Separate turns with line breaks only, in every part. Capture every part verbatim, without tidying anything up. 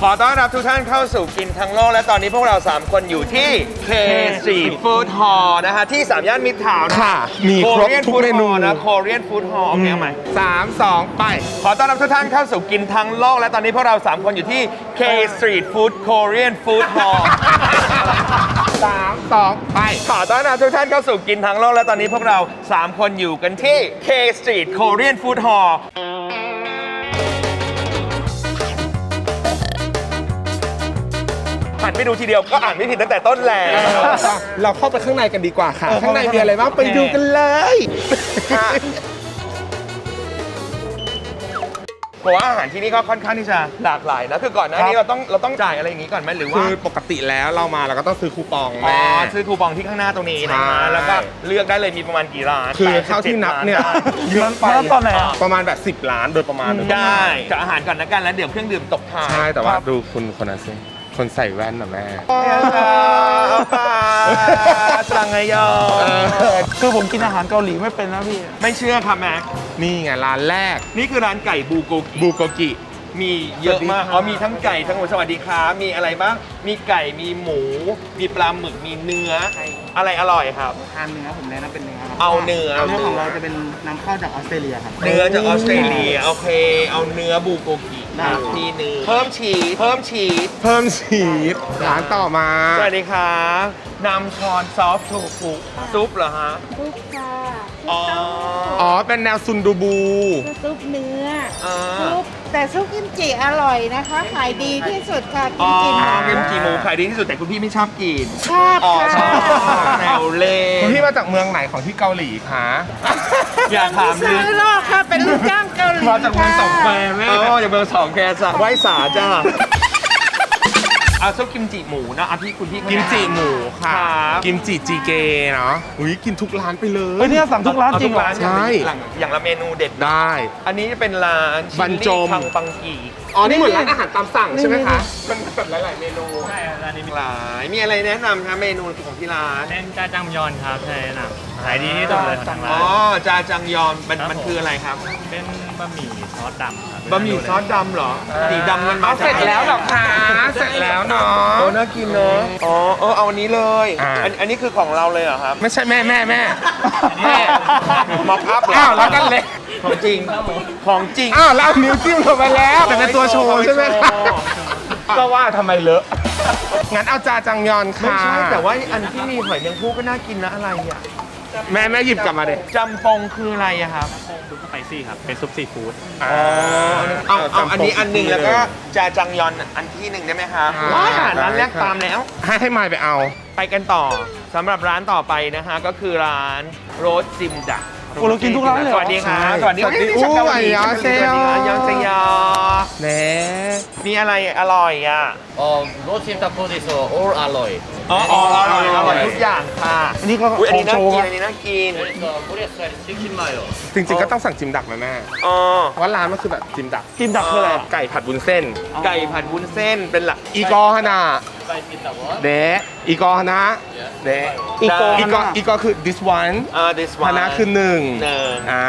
อต้อนรับทุกท่านเข้าสู่กินทั้งโลกและตอนนี้พวกเราสามคนอยู่ที่ K Street Food Hall นะคะที่สามย่านมิตรทาวน์
ค่ะมีครบทุกเมนู
นะ Korean Food Hall โอเคไหม
สามสองไป
ขอต้อนรับทุกท่านเข้าสู่กินทั้งโลกและตอนนี้พวกเราสามคนอยู่ที่ K Street Food Korean Food Hall
สามสองไป
ขอต้อนรับทุกท่านเข้าสู่กินทั้งโลกและตอนนี้พวกเราสามคนอยู่กันที่ K Street Korean Food Hallหันไปดูทีเดียวก็อ่านไม่ผิดตั้งแต่ต้นแล้ว
เราเข้าไปข้างในกันดีกว่าค่ะข้างในมีอะไรบ้างไปดูกันเลย
เพราะว่าอาหารที่นี่ก็ค่อนข้างที่จะหลากหลายนะคือก่อนหน้านี้เราต้องเราต้องจ่ายอะไรอย่างนี้ก่อนไหมหรือว่า
คือปกติแล้วเรามาเราก็ต้องซื้อคูปอง
อ๋อ
แม่
ซื้อคูปองที่ข้างหน้าตรงนี้นะแล้วก็เลือกได้เลยมีประมาณกี่ร้าน
คือเท่าที่นับเนี่ยเยอะไป
ตอนไหน
ประมาณแบบสิบล้านโดยประมาณ
ได้กับอาหารก่อนนะกันแล้วเดี๋ยวเครื่องดื่มตกท้าย
ใช่แต่ว่าดูคุณคนนั้นสิคนใส่แว่นน่ะแม่
สังไงยอ
คือผมกินอาหารเกาหลีไม่เป็นนะพี่
ไม่เชื่อครับแม็ก
นี่ไงร้านแรก
นี่คือร้านไก่บูโกกิ
บูโกกิ
มีเยอะมากอ๋อมีทั้งไก่ทั้งหมูสวัสดีครับมีอะไรบ้างมีไก่มีหมูมีปลาหมึกมีเนื้ออะไรอร่อยครับ
ทานเนื้อผมแนะนำเป็นเนื้อครับ
เอาเนื้อ
เนื้อของเราจะเป็นนำเข้าจากออสเตรเลียครับ
เนื้อจากออสเตรเลียโอเคเอาเนื้อบูโกกิครับที่หนึ่งเพิ่มชีสเพิ่มชีส
เพิ่มชีสร้านต่อมา
สวัสดีครับนำช้อนซอฟต์โทฟุซุปเหรอฮะ
ซุปค่ะ
อ๋อ
อ๋อเป็นแนวซุนดูบู
ซุปเนื้อซุปแต่ซุปกิมจิอร่อยนะคะขายดีที่สุดค่ะกิมจิหมู
กิมจิหมูขายดีที่สุดแต่คุณพี่ไม่ชอบกิน
ชอบค่ะ
แนวเล่
คุณพี่มาจากเมืองไหนของที่เกาหลีคะ
อย่าถาม
เลยซื้อโลกค่ะเป็นลูกจ้างเกาหลี
มาจากเมืองสองแควแม่อ๋อจากเมืองสองแควจ้ะไหว้สาจ้าเอาซุปกิมจิหมูนะเอาที่คุณพี่
กิมจิหมูค่ะกิมจิจีเกเนาะอุ้ยกินทุกร้านไปเลย
เฮ้ยเนี่ยสั่งทุกร้านจริงเหรอ
ใช่
อย่างละเมนูเด็ด
ได้
อันนี้จะเป็นร้าน
บรรจง
คังปังกี
อ๋อนี่เหมือนร้านอาหารตามสั่งใช่ไหมคะมันแบบหลายๆเมนู
ใช่ร้านนี้มีหลายมีอะไรแนะนำครับเมนูของที่ร้าน
เส้นจาจังยอนครับใช่แนะนำขายดีที่สุดเลยของทางร้าน
อ๋อจาจังยอนมันมันคืออะไรครับ
เป็นบะหมี่ซอสดำครับ
บะหมี่ซอสดำเหรอสีดำมันมา
เสร็จแล้วหรอคะเสร็จแล้วเนาะ
โอ้น่ากินเนาะอ๋อเออเอาอันนี้เลยอันอันนี้คือของเราเลยเหรอครับ
ไม่ใช่แม่แม่แม่แม่
ม็อกอัพเหรอ
อ้าวแล้วกันเลย
ของจริงของจริง
อ้าวแล้วนิ้วจิ้มลงไปแล้วแต่เป็นตัวโชว์ใช่ไหมคะก็ว่าทำไมเลอะงั้นเอาจาจังยอนค่ะ
ไม่ใช่แต่ว่าอันที่มีหอยแมงภู่ก็น่ากินนะอะไรอ่ะ
แม่แม่หยิบกลับมาเลย
จำปงคืออะไรอะครับ
ซุปสไปซี่ครับเป็นซุปซีฟู้ด
อ๋อเอาเอาอันนี้อันหนึ่งแล้วก็จาจังยอนอันที่หนึ่งได้ไหมครับว้าร้านแรกตามแล้ว
ให้ให้มายไปเอา
ไปกันต่อสำหรับร้านต่อไปนะฮะก็คือร้านโรสจิมดัก
โอ้เรากินทุกร้านเลย
สวัสดีครับสวัสดี
สวัสดีอู้ยยอเซย
ยอเซย
เน่
มีอะไรอร่อยอ่ะ
อ๋อโรสชิมตาโคดิโซโอ้อร่อย
อ๋ออร่อยอร่อยทุกอย่างค่ะ
อันนี้ก็
อันนี้น่ากินอันนี้น่ากิน
จริงๆก็ต้องสั่งจิมดักนะแม่
อ๋อ
เพราะร้านมันคือแบบจิมดัก
จิมดักคืออะไร
ไก่ผัดวุ้นเส้น
ไก่ผัดวุ้นเส้นเป็นหลัก
อีกอฮานาเดะอีกอฮานะเดะอีกออีกออีกอคือ this one
อ่า this one
ฮานะคือหนึ่ง
หนึ่ง
อ่า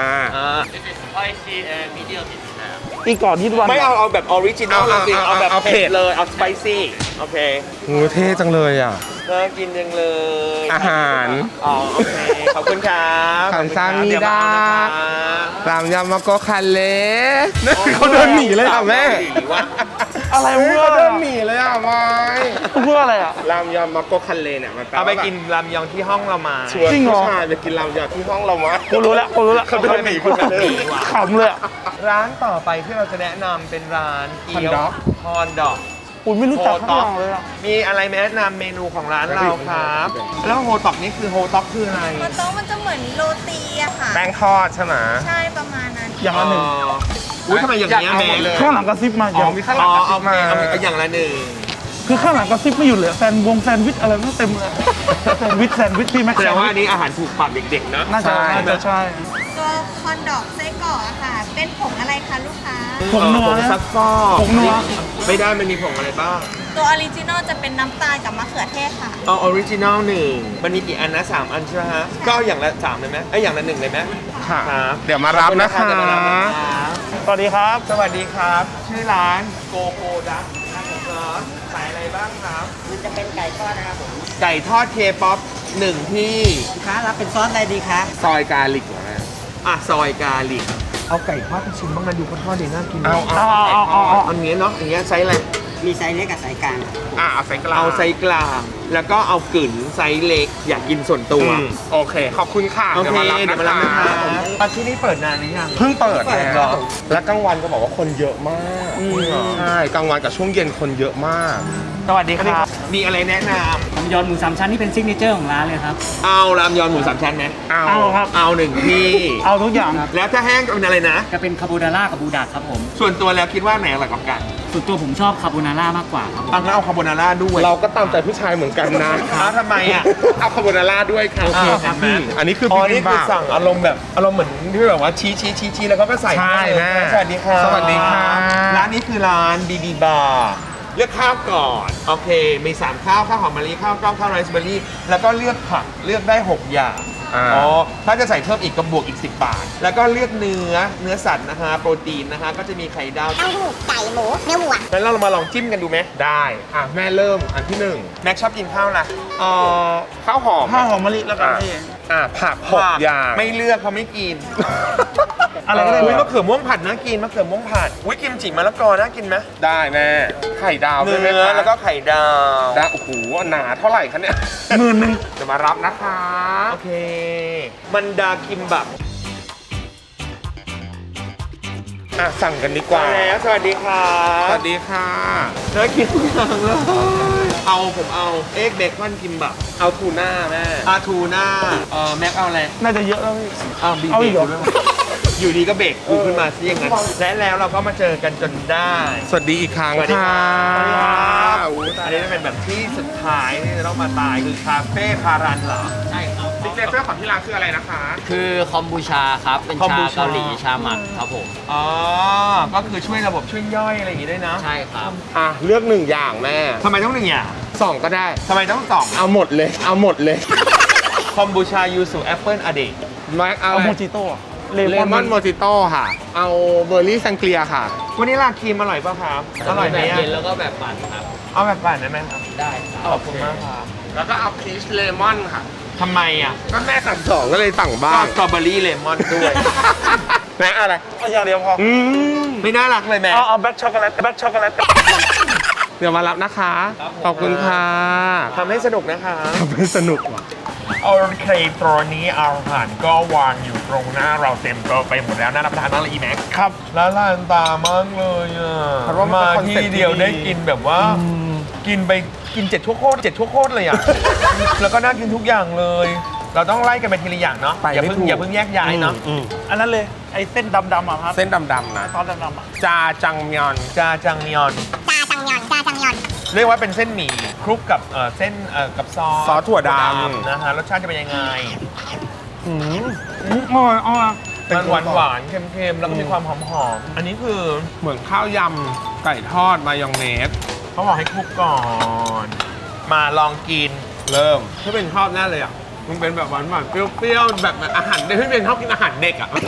อีกก่อนที่วัน
ไม่เอาเอาแบบออริจินอลเลยสิเอาแบบเผ็ดเลยเอาสไปซี่โอเค
โหเท่จังเลยอ่ะ
น่ากินจังเลย
อาหาร
อ๋อโอเคขอบคุณครับ
ขันซามีดาตามยำมาโกคันเล่เขาเดินหนีเลยอ่ะแม่
อะไรเพื่อ
เดินหนีเลยอ่ะไม่
เพื่ออะไรอ่ะ
รามยำมาโกคันเล่เนี่ยมัน
เอาไปกินรามยองที่ห้องเรามา
ชวนผู้ชายไปกินรามยองที่ห้องเรามา
กูรู้แล้วกูรู้แล้ว
เขาเดินหนีคุณเดิน
ขำเลย
ร้านต่อไปที่เราจะแนะนำเป็นร้านเกี๊ยวฮอนดอก
อุ้ยไม่รู้จักข้างเลยอ่ะ
มีอะไรแนะนำเมนูของร้านเราครับแล้วโฮต็อกนี่คือโฮต็อกคืออะไร
โฮต็อกมันจะเหมือนโรตีอะค่ะ
แป้งทอดใช่ไหม
ใช่ประมาณนั้น
อย่างละหนึ่ง
อุ้ยทำไมอย่างนี้แม่
เลยข้างหลังกระซิบมา
อย่างมีข้างหลังกระซิบมาอย่างละหนึ่ง
คือข้างหลังกระซิบไม่หยุดเลยแซนวงแซนวิชอะไรไม่เต็มเลยแซนวิชแซนวิชพี่แม็กซ์
แสดงว่าอันนี้อาหารถูกปากเด็กๆนะ
น่าจะน่าจะใช่
ตัวคอนดอกไส้กรอกอะค่ะเป็นผงอะไรคะลูกค้า
ผงนัว
ผงซักฟอก
ผงนัว
ไม่ได้มันมีผงอะไรบ้าง
ตัวออริจินอลจะเป็นน้ำตาลกับมะเขือเทศค่ะ
เอาออริจินอลหนึ่งมันมีกี่อันนะสามอันใช่ไหมฮะก็อย่างละสามเลยไหมไอ้อย่างละหนึ่งเลยไหม
ค่ะเดี๋ยวมารับนะคะ
สวัสดีครับ
สวัสดีครับชื่อร้านโกโกดัก
จะเป็นไก่ทอดนะครับผม
ไก่ทอดเคป๊อปหนึ่งที่
ลูกค้ารับเป็นซอสอะไรดีคะ
ซอยกาลิกเหรอแม่
อ่ะซอยกาลิกเอาไก่ทอดไปชิมบ้างนะดูเขาทอดดีน่ากิน
เอาเอา
เอาเอาเอาเอา
อันนี้เนาะอย่างเงี้ยไซส์อะไร
มีไซส์เล็กกับไซส์กลาง
อ่ะเอาไซส์กลาง
เอาไซส์กลางแล้วก็เอากึ่นไซส์เล็กอยากกินส่วนตัว
อืมโอเค ขอบคุณค่ะ
โอเค
เดี๋ยวมารับ
เดี๋ยวมารับ
นะ
นะคะ คะที่นี่เปิดนานหรือยัง
เพิ่งเปิด
เปิด
แล้
เหร
ว
อ
และกลางวันก็บอกว่าคนเยอะมากใช่กลางวันกับช่วงเย็นคนเยอะมาก
สวัสดีครับ มีอะไรแนะน
ผมยอนหมูสามชั้นที่เป็นซิกเนเจอร์ของร้านเลยครับ
ำเอารามยอนหมูสามชั้นไหม
เอา
เอาครับ
เอาหนึ่งที่
เอาทุกอย่าง
แล้วถ้าแห้งเป็นอะไรนะ
จะเป็นคาโบนาร่ากับบูดาครับผม
ส่วนตัวแล้วคิดว่าไหนอร่อยกว่ากัน
ส่วนตัวผมชอบคาโบนาร่ามากกว่าครับผม
เอางั้นเอาคาโบนาร่าด้วย
เราก็ตามใจผู้ชายเหมือนกันนะ
เอาทำไมอ่ะ
เอาคาโบนาร่าด้วยค่ะ
โอเคครับ
พี่อันนี้คือ
อ๋อ
บิ
นี่
บิม
คือ
บับ
สั่งอารมณ์แบบอารมณ์เหมือนที่แบบว่าชี้ชี้ชี้ชี้แล้วก็ไปใส่
ใช่แม่
สวัสดีครับ
สวัสดีครับ
ร้านนี้คือร้านบีบีบาร์เลือกข้าวก่อน โอเค มีสามข้าวข้าวหอมมะลิข้าวกล้องข้าวไรซ์เบอร์รี่แล้วก็เลือกผักเลือกได้หกอย่าง
อ่า
อ๋อถ้าจะใส่เพิ่มอีกก็บวกอีกสิบบาท แล้วก็เลือกเนื้อเนื้อสัตว์นะคะโปรตีนนะคะก็จะมีไข่ดาว
เต้าหู้ไก่หมูเนื้อวัว
งั้นเรามาลองจิ้มกันดูไหม
ได้อ่ะแม่เริ่มอันที่หนึ่ง
แม็กชอบกินข้าวอะไร
เอ่อข้าวหอม
ข้าวหอมมะลิแล้วกันพี่
อ่ะผักหกอย่าง
ไม่เลือกเพราะไม่กิน
อะไรก็ได้
อุ้ยมะเขือม่วงผัดน่ากินมะเขือม่วงผัดอุ้ยกิมจิมะละกอน่ากินไหม
ได้แม่ไข่ดาวด้วยไหม
เนื้อ
คะ
แล้วก็ไข่ดาว
ได้โอ้โหหนาเท่าไหร่คะเนี่ย
หมื่นหนึ่ง
จะมารับนะคะ
โอเค มันดาคิมบับ
อ่ะสั่งกันดีกว่า
มาแล้วสวัสดีครั
ส
บ
วัสดีค่ะ
น่ากินทุกอย่างเลยเอาผมเอาเอ็กเบคอนคิมบับ
เอาทูน่าแม่
อาทูน่าเอ่อแม็กเอาอะไร
น่าจะเยอะแล้วพี่
เอาบี
เอา
เบ
อี
ก
กเหรอ
ด้วยมั้ยอยู่ดีก็เบรกกูขึ้นมาซะอย่างนั้นและแล้วเราก็มาเจอกันจนได้
สวัสดีอีกครั้ง
สวัสดี
ค่ะ
ครับ
อุ๊ย
อันนี้จะเป็นแบบที่สุดท้ายที่จะต้องมาตายคือคาเฟ่พารันเหรอ
ใช่ครับ
ซิกเนเจอร์ของที่ร้านคืออะไรนะคะ
คือคอมบูชาครับ เป็น
คอม
ชา
บูชา
เกาหลีชาหมักครับผม
อ๋อ ก็คือช่วยระบบช่วยย่อยอะไรอย่างงี้ด้วยนะ
ใช่ครับ
อ่ะเลือกหนึ่งอย่างแม่
ทำไมต้องหนึ่งอย่าง
สองก็ได้
ทำไมต้องสอง
เอาหมดเลย เอาหมดเลย
คอมบูชายูสุแอปเปิลอเดก
แม็กเอา
เอา
อะไร
โมจิโต้อะเล
เล
มอน
มอนโมจิโต้ค่ะ เอาเบอร์รี่ซังเกลียค่ะ
วันนี้ลาครีมอร่อยป่ะครับ อร่อยไหม
แบบ
อะ
เย็นแล้วก็แบบปั่นครับ
เอาแบบปั่นได้ไหมครับ
ได้ครับ
ขอบคุณมากครับ
แล้วก็เอาพีชเลมอนค่ะ
ทำไมอ่ะ
ก็แม่สั่งสองก็เลยสั่งบ้า
ก็
ง
สตรอเบอรี่เลมอนด้วย
แม็กอะไร
เอาอย่างเดียวพอ
อืม
ไม่น่ารักเลยแม่
เอาเอาแบ็คช็อกโกแลตแบ็คช็อกโกแลต
เดี๋ยวมารับนะคะ ขอบคุณค่ะ
ทำให้สนุกนะคะ
ทำให้สนุกว่ะ
โอเคตอนนี้อาหารก็วางอยู่ตรงหน้าเราเต็มโต๊ะไปหมดแล้วน่ารับประทานมากเลยอีแม็ก
ครับ
แล้วลานตามากเลยอ่ะ
เพราะว่ามัน
มา
เป็นคอนเซ็ปต์
ที่เดียว
ที่ดี
ได้กินแบบว่า กินไปกินเจ็ดทั่วโคตรเจ็ดทั่วโคตรเลยอ่ะ แล้วก็น่ากินทุกอย่างเลย เราต้องไล่กันไปทีละอย่างเนาะ
ไป
อย่า
ไม่
เพิ่ง
ถูก
อย่าเพิ่งแยกย้ายเนาะ
อืม
อันนั้นเลย ไอ้เส้นดำๆอ่ะครับ
เส้นดำๆนะ
ซอสดำๆอ่ะ
จาจังมยอน
จาจังมยอน
จาจังยอน จาจังยอน
เรียกว่าเป็นเส้นหมี่คลุกกับเอ่อเส้นเอ่อกับซอส
ซอสถั่วดำ
นะฮะรสชาติจะเป็นยังไง
อืม
อืมอร่อยอร่อย
มันหวานหวานๆเค็มๆ แล้วก็มีความหอมหอมๆอันนี้คือ
เหมือนข้าวยำไก่ทอดมายองเนส
เขาบอกให้คลุกก่อน มาลองกิน
เริ่ม
ถ้าเป็นชอบแน่เลยอ่ะ
มันเป็นแบบหวานหวานๆเปรี้ยวๆ แบบอาหารเด็กที่เป็นชอบกินอาหารเด็กอ่ะ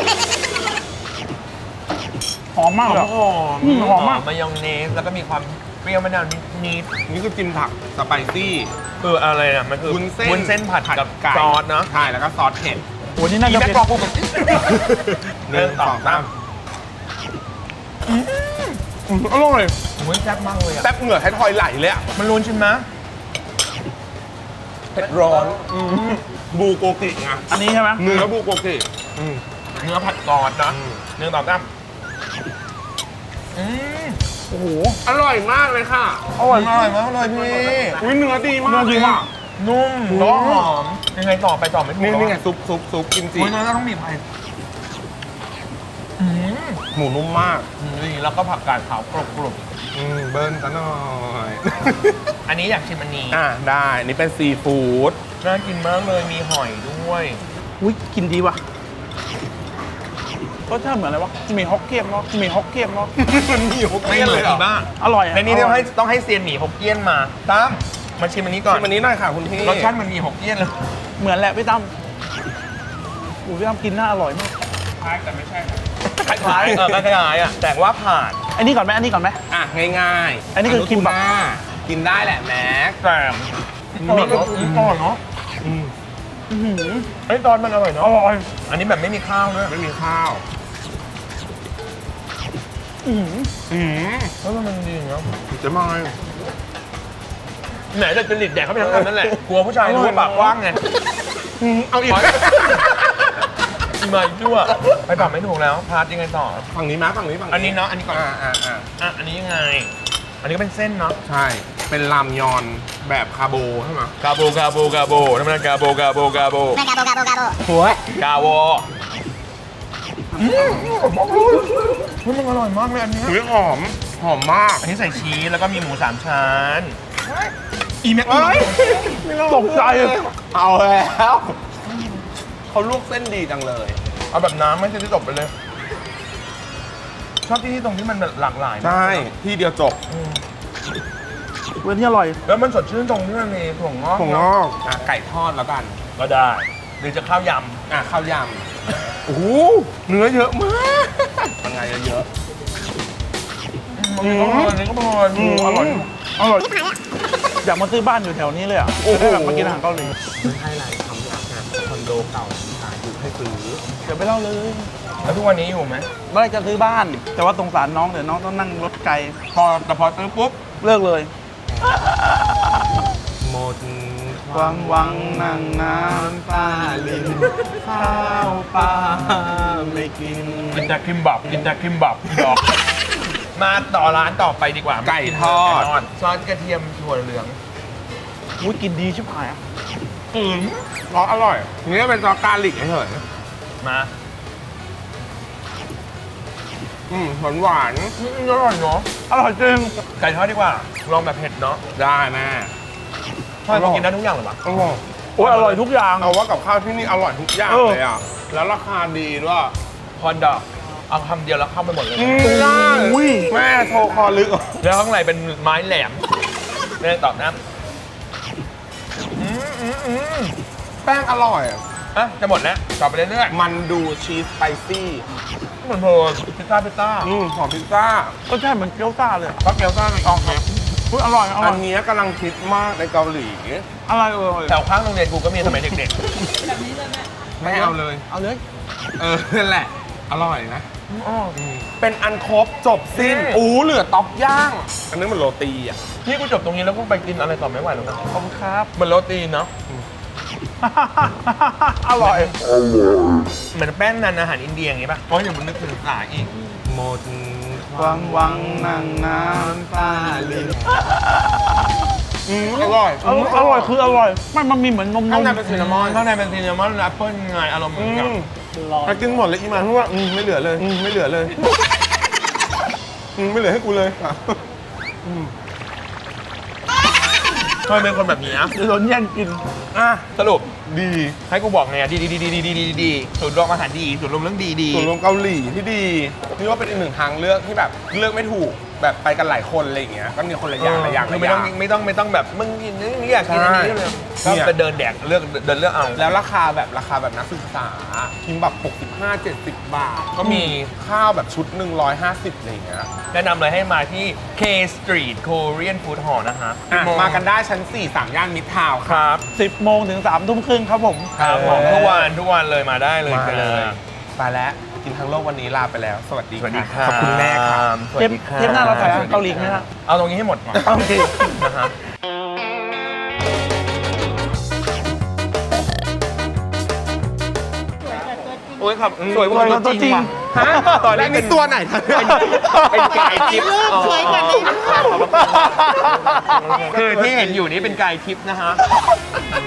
หอมมาก
หอ
เลย
มหอม
อืมหอมมาก
มายองเนส แล้วก็มีความเปรี้ยวมะนาวนิด
นี่คือจิ้มผักสไปซี่
ๆคืออะไรอ่ะ มันคือ
วุ้นเส้น
วุ้นเส้นผัดกับ
ไก่
ซอสเนาะ
ใช่ แล้วก็ซอสเผ็ด
โอ้นี่น่า
อี
จะ
แม็ก
เป็น
กรอบพูดแบบ
หนึ่งสองสาม
อร่อยโอ้ยแซ่บมากเลยอ่ะ
แป๊บเหงื่อให้ทอยไหลเลยอ่ะ
มันรุนชิมนะ
เผ็ดร้อนบูโกกิไง
อันนี้ใช่ไหม
เนื้อบูโกกิ
เนื้อผัดซอสนะ
อืม
เนื้อต่อตั้มอืม
โอ้โห
อร่อยมากเลยค่ะ
อร่อยมากเลยมากเลยพี่
อุ้ยเนื้อดีมาก
เนื้อดีมาก
นุ่มแล้วก็หอม ยังไงต่อไปต่อไม่ถูก
นี่
หรอ
นี่ไงซุปซุปซุปกิมจิ
โอ้ยเราต้องบีบไปอืม
หมูนุ่มมาก
นี่แล้วก็ผักกาดขาวกรุบกรุบ
อืมเบิ้ลซะหน่อย
อันนี้อยากชิมอันนี้
อ่ะได้อันนี่เป็นซีฟู้ด
น่ากินมากเลยมีหอยด้วย
อุ้ยกินดีว่ะรสชาติเหมือนอะไรวะหมี่ฮอกเกี้ยนเนาะหมี่ฮอกเกี้ยนเนาะ
มันมีหก
ไม่
เกี้ยน
เหมื
เล
อน
ยเหร
อี
อ
บ้า
อร่อยอะ
ในนี้
อร่
ต้
อ
อย งให้ต้องให้เซียนหมี่ฮกเกี้ยนมาตั้มมาชิมอันนี้ก่อน
ชิมอันนี้หน่อยค่ะคุณพี่
รสชาติมันมีฮกเกี้ยนเลย
เหมือนแหละพี่ตั้มโอ้พี่ตั้มกินน่าอร่อยมาก
คล้ายๆเออคล้ายๆอ่ะแต่ว่าผ่าน
อันนี้ก่อนไหมอันนี้ก่อนไหม
อ่ะง่ายๆ
อันนี้คือคิมบับ
อนุทูน่ากินได้แหละแม็ก
แต่มีก็อร่อยเนาะไอ้ตอนมันอร่อยเนาะอร่อยอันนี้แบบไม่มีข้าวด้วย
ไม่มีข้าว
อืมแล้วมันดีเนาะ
จะมา
ไหนจะจริตแดกเข้าไปทั้งอันนั่นแหละกลัวผู้ชายรู้ว่าปากกว้างไง
เอาอีก
มาอีกด้วยไปปากไม่ถูกแล้วพาร์ทยังไงต่อ
ฝั่งนี้มั้ยฝั่งนี้ฝั่ง
อันนี้เนาะอันนี้ก่อน
อ่าอ่าอ่า
อ่ะอันนี้ยังไง อันนี้ก็เป็นเส้นเนาะ
ใช่ เป็นรามยอนแบบคาโบใช่ไหม
กาโบกาโบกาโบนั่นมันกาโบกาโบกาโบ
ไม่กาโบกาโบกาโบ
หัว
กาโวอืมมันอร่อยมากเลยอันเนี้ย
อุ้ยหอม หอมมาก
อันนี้ใส่ชีสแล้วก็มีหมูสามชั้น
อีแม็ก
เอ้ยตกใจ
เอาแล้วเขาลวกเส้นดีจังเลย
เอาแบบน้ำไม่ใช่ที่ตกไปเลย ชอบที่นี่ตรงที่มันแบบหลากหลายนะ
ใช่ ที่เดียวจบ
เว้นที่อร่อย
แล้วมันสดชื่นตรงที่มันมีถั่วงอก
ผมงอกอ่ะไก่ทอดแล้วกัน
ก็ได้ หรือจะข้าวย
อ่ะข้าวยำ โอ้โหเนื้อเยอะมากยังไงเยอะ
ำอืมอันนี้ก็พออืมอร่อย
อร่อย อยากมาซื้อบ้านอยู่แถวนี้เลยอ่ะ
โอ้โห
ได้แบบมากินอาหารเกาหลี
ให้ไรทำรักงานคอนโดเก่าขายอยู่ให้ซื้อ
เดี๋ยวไปเล่าเลย
แล้วทุกวันนี้อยู่ไหม
เมื่อไหรจะซื้อบ้าน แต่ว่าสงสารน้องเดี๋ยวน้องต้องนั่งรถไกล
พอแต่พอซื้อปุ๊บ
เลิกเลย
หมด
วังวังนั่งน้ำตาลินข้าวปลาไม่กิน
กินแต่คิมบับกินแต่คิมบับดอก มาต่อร้านต่อไปดีกว่า
ไก่ทอด
ไก่ทอดซอสกระเทียมถั่วเหลือง
อุ้ยกินดีชิบหายอ่ะ
อืม
ซอสอร่อย นี่เป็นซอสกาลิกเฉย
มา
ๆอืมหวานหวาน
อืมอร่อยเนาะ
อร่อยจริง
ไก่ทอดดีกว่า ลองแบบเผ็ดเนาะ
ๆได้แม่
ทอดกินได้ทุกอย่างเหรอวะ
อร่อย
โอ้ยอร่อยทุกอย่าง
เอาว่ากับข้าวที่นี่อร่อยทุกอย่าง
เออ
เลยอ่ะ แล้วราคาดีด้วย
คอนดอกเอาคำเดียวแล้วเข้าไปหมดเลย
อุ้ย
แม่โทรคอลึก
แล้วข้างในเป็นไม้แหลมไม่ได้ตอบนะอืมอืมอืม
แป้งอร่อย
อ่ะจะหมดแล้วต่อไปเรื่อย
มันดูชีสสไปซี่
ๆเหมือนเพลินพิซซ่าพิซซ่า
อืมหอมพิซซ่า
ก็ใช่เหมือนเกี๊ยวซ่าเลย
ก็เกี๊ยวซ่าในกองครับ
อุ้ยอร่อยอร่
อั
อน ย
เนี้ยกำลังคิดมากในเกาหลี
อร่อยอร่อย
แถวข้างโรงเรียนกูก็มีสมัยเด็ก
ไม่เอาเลย
เอาเลย
เออนั่นแหละ อร่อยนะ
ๆอ๋อ
เป็นอันครบจบสิ้น
อืม
อู้เหลือต๊อกย่าง อันนี้มันโรตีอ่ะ
พี่กูจบตรงนี้แล้วกูไปกินอะไรต่อไม่ไหวแล้วนะ
ขอบคุณครับ
เหมือนโรตีเนาะ
อร่อย
เหมือนแป้งนันอาหารอินเดียอย่างงี้ป่ะเพราะอย่างมันนึกถึงสาอีก
หมด
วังวังนั่งน้ำตาลิน
อืมอร่อย
อร่อยอร่อยคืออร่อยไม่มันมีเหมือนนมน
ข้าง
ม
ในเป็นซินนามอน
ข้างในเป็นซีนามอนแอปเปิ้ลไงอารมณ์เหมื
อื
อนกับ
มถ้ากินหมดเลยอีมาพูดว่าอืมไม่เหลือเลยอืมไม่เหลือเลยอืมไม่เหลือให้กูเลยอ่ะ
ทำไมเป็นคนแบบนี้อะ
เดี๋ยวโดนแย่งกิน
อ่ะ
สรุป
ดี
ให้กูบอกไงอะดีดีดีดีดีดีดีดีสูตรรวมอาหารดีสูตรรวมเรื่องดีดี
ส่วนรวมเกาหลีที่ดีนี่ว่าเป็นอีกหนึ่งทางเลือกที่แบบเลือกไม่ถูกแบบไปกันหลายคนอะไรอย่างเงี้ยก็มีคนละอย่างละอย่าง
คื
ละ
อ
อ
ไม่ต้อย่าง งไม่ต้องไม่ต้องแบบมึงกินนี่นี่อยากกินอันนี้เลยก็
เนี่ย
ไปเดินแดกเลือกเดินเลือกเอา
แล้วราคาแบบราคาแบบนักศึกษาคิมแบบหกสิบห้า เจ็ดสิบบาท
ก็มี
ข้าวแบบชุดหนึ่งร้อยห้าสิบอะไรอย่างเงี้ย
แนะนำเลยให้มาที่ K Street Korean Food Hall นะฮะ
อ่ะมากันได้ชั้นสี่สามย่านมิตรทาวน์
ค
ครับ
รับ
สิบโมงถึงสามทุ่มครึ่งครับผม
ครับผมทุกวันทุกวันเลยมาได้เลย
มาเลย
จ้า
ไปแล้วกินทั้งโลกวันนี้ลาไปแล้ว สวัสดี
สวัสดี
ะ
ครับ
ขอบคุณแม่ครับ
สวัส
เทป
ดีครับ
เทปหน้าเราถ่ายอาหารเกาหลีไหมฮะ
เอาตรงนี้ให้หมดก่อน
โอเค
นะฮะ โอ้ยครับสวยกว่าตัวจริงว่ะฮะตอนแร
แล้
ก
ว
เป็
นี่
น
ตัวไหนทัน
เป็นไก่ทิพย์
สวยกว่านี้
คือที่เห็นอยู่นี่เป็นไก่ทิพย์นะฮะ